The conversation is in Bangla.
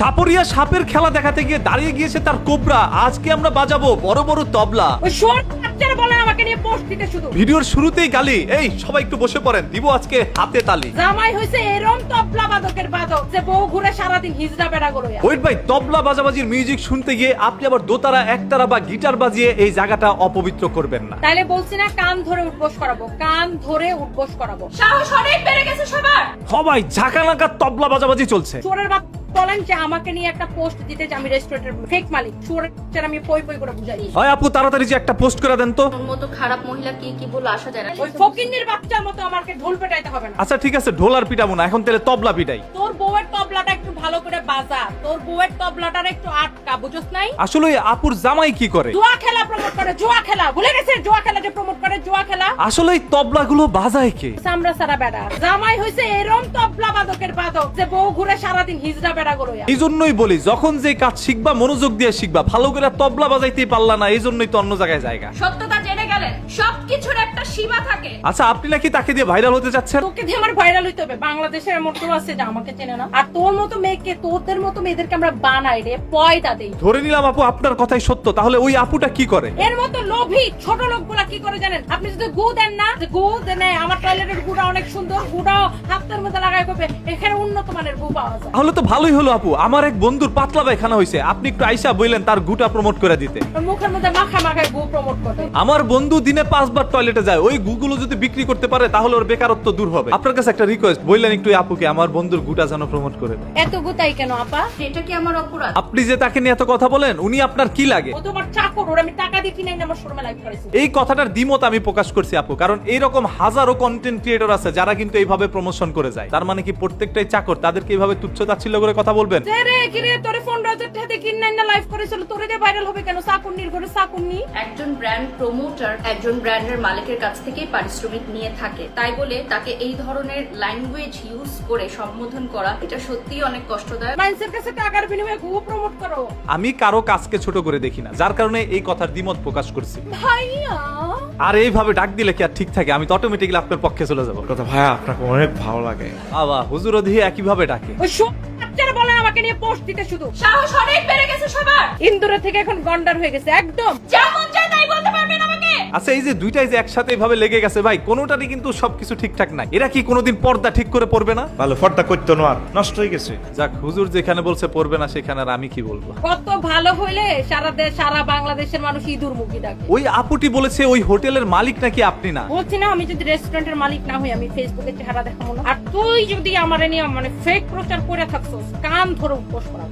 সাপরিয়া সাপের খেলা দেখাতে গিয়ে দাঁড়িয়ে গিয়েছে তার কোবরা। আজকে আমরা বাজাবো বড় বড় তবলা। ওই শোন বাচ্চারা বলে আমাকে নিয়ে পোস্ট দিতে শুধু। ভিডিওর শুরুতেই গালি। এই সবাই একটু বসে পড়েন, দিব আজকে হাতে তালি। জামাই হইছে এরম তবলা বাদকের বাদক যে বউ ঘুরে সারাদিন হিজড়া বেড়া গড়য়া। ওয়েট ভাই, তবলা বাজাবাজির মিউজিক শুনতে গিয়ে আপনি আবার দোতারা একতারা বা গিটার বাজিয়ে এই জায়গাটা অপবিত্র করবেন না। তাইলে বলছি না কান ধরে উঠবোস করাবো, কান ধরে উঠবোস করাবো। সাহস অনেক বেড়ে গেছে সবার। সবাই ঝাঁকানাকা তবলা বাজাবাজি চলছে। চোরের বাপ বলেন যে আমাকে নিয়ে একটা পোস্ট দিতে যে আমি রেস্টুরেন্টের ফেক মালিক। চোরের আমি পই পই করে বুঝাই। হয় আপু তাড়াতাড়ি যে একটা পোস্ট করে দেন তো। ওর মতো খারাপ মহিলা কি বলে আসা যায় না। ওই ফকিন্নির বাচ্চার মতো আমাকে ঢোল পেটাইতে হবে না। আচ্ছা ঠিক আছে, ঢোল আর পিটাবো না, এখন তাহলে তবলা পিটাই। তোর বউয়ের তবলাটা একটু ভালো করে বাজা, তোর বউয়ের তবলাটার একটু আটকা, বুঝছ নাই? আসলে ওই আপুর জামাই কি করে? জুয়া খেলা প্রমোট করে, জুয়া খেলা। ভুলে গেছে জুয়া খেলা যে প্রমোট করে, জুয়া খেলা। আসলে এই তবলাগুলো বাজায় কে? সামরা সারা বেড়া। জামাই হইছে এরম তবলা বাদকের বাদক যে বউ ঘুরে সারাদিন হিজড়া বেড়া গড়য়া। এই জন্যই বলি, যখন যে কাজ শিখবা মনোযোগ দিয়ে শিখবা। ভালো করে তবলা বাজাইতেই পারলা না, এই জন্যই তো অন্য জায়গায় জায়গা। সত্যতা জেনে গেলেন সবকিছুর একটা সীমা থাকে। আচ্ছা আপনি নাকি তাকে দিয়ে ভাইরাল হতে যাচ্ছেন? তোকে দিয়ে আমার ভাইরাল হইতে হবে। বাংলাদেশের এমন কেউ আছে যে আমাকে চেনে না? আর তোর মতো মেয়েকে, তোদের মতো মেয়েদেরকে আমরা বানাই রে, পয়দা দেই। ধরে নিলাম আপু আপনার কথাই সত্য, তাহলে ওই আপুটা কি করে? এর মতো লোভী ছোট লোকগুলা কি করে জানেন? আপনি যদি গু দেন না, যে গু দেন, আমার টয়লেটের গুড়া অনেক সুন্দর, গুড়াও হাতের মধ্যে লাগাই করবে, এখানে উন্নত মানের গু পাওয়া যায়। তাহলে তো ভালোই হলো আপু, আমার এক বন্ধুর পাতলা পায়খানা হয়েছে, আপনি একটু আইসা বললেন তার গুটা প্রমোট করে দিতে। ওর মুখের মধ্যে মাখা মাখায় গু প্রমোট করে। আমার বন্ধু দিনে 5 বার টয়লেটে যায়, ওই গুগুলো যদি বিক্রি করতে পারে তাহলে ওর বেকারত্ব দূর হবে। আপনার কাছে একটা রিকোয়েস্ট, বললেন একটু আপুকে আমার বন্ধুর গুটা যেন প্রমোট করে দেয়। এত গুতাই কেন আপা? এটা কি আমার অপরাধ? আপনি যে তাকে নিয়ে এত কথা বলেন, উনি আপনার কি লাগে? ও তোমার চাকর, ওর আমি টাকা দিয়ে কিনে এনে আমার শোরুমে লাইভ করেছি। এই কথাটার দ্বিমত আমি প্রকাশ করছি আপু, কারণ এইরকম হাজারো কন্টেন্ট ক্রিয়েটর আছে যারা কিন্তু এইভাবে প্রমোশন করে যায়। তার মানে কি প্রত্যেকটাই চাকর, তাদেরকে এইভাবে তুচ্ছ-তাচ্ছিল্য করে কথা বলবেন? রে কিরে তোরে 15,000 টাকা দিয়ে কিনে এনে লাইভ করেছিল, তোরে দিয়ে ভাইরাল হবে কেন? চাকুন্নির ঘরে চাকুন্নি। একজন ব্র্যান্ড প্রমোটার একজন ব্র্যান্ডের মালিকের কাছ থেকে পারিশ্রমিক নিয়ে থাকে, তাই বলে তাকে এই ধরনের ল্যাঙ্গুয়েজ ইউজ করে সম্বোধন করা এটা সত্যিই অনেক কষ্টদায়ক। মানুষের কাছে টাকার বিনিময়ে গু প্রমোট করো। আমি কারো কাজকে ছোট করে দেখি না, যার কারণে এই কথার দ্বিমত প্রকাশ করছি। ভাইয়া আর এইভাবে ডাক দিলে কি আর ঠিক থাকে? আমি তো অটোমেটিক্যালি আপনার পক্ষে চলে যাবো। কথা ভাইয়া আপনাকে অনেক ভালো লাগে। বাবা হুজুরও দিয়ে একইভাবে ডাকে। ওই সব বাচ্চারা বলে আমাকে নিয়ে পোস্ট দিতে শুধু। সাহস অনেক বেড়ে গেছে সবার। ইন্দুরে থেকে এখন গন্ডার হয়ে গেছে একদম। যেমন চাই তাই বলতে পারবেন আমাকে। আচ্ছা এই যে দুইটাই যে একসাথে এইভাবে লেগে গেছে ভাই, কোনোটারই কিন্তু সবকিছু ঠিকঠাক নাই। এরা কি কোনোদিন পর্দা ঠিক করে পড়বে না? ভালো ফর্দা করতো না, আর নষ্ট হয়ে গেছে। যাক, হুজুর যেখানে বলছে পড়বে না সেখানে আর আমি কি বলবো। কত ভালো হইলে সারা দেশ, সারা বাংলাদেশের মানুষ ইঁদুর মুখী ডাকে। ওই আপুটি বলেছে ওই হোটেলের মালিক নাকি আপনি না। বলছি না, আমি যদি রেস্টুরেন্টের মালিক না হই, আমি ফেসবুকে চেহারা দেখাবো না। আর তুই যদি আমার নিয়ে মানে ফেক প্রচার করে থাকছস, কান ধরে উপোস করা।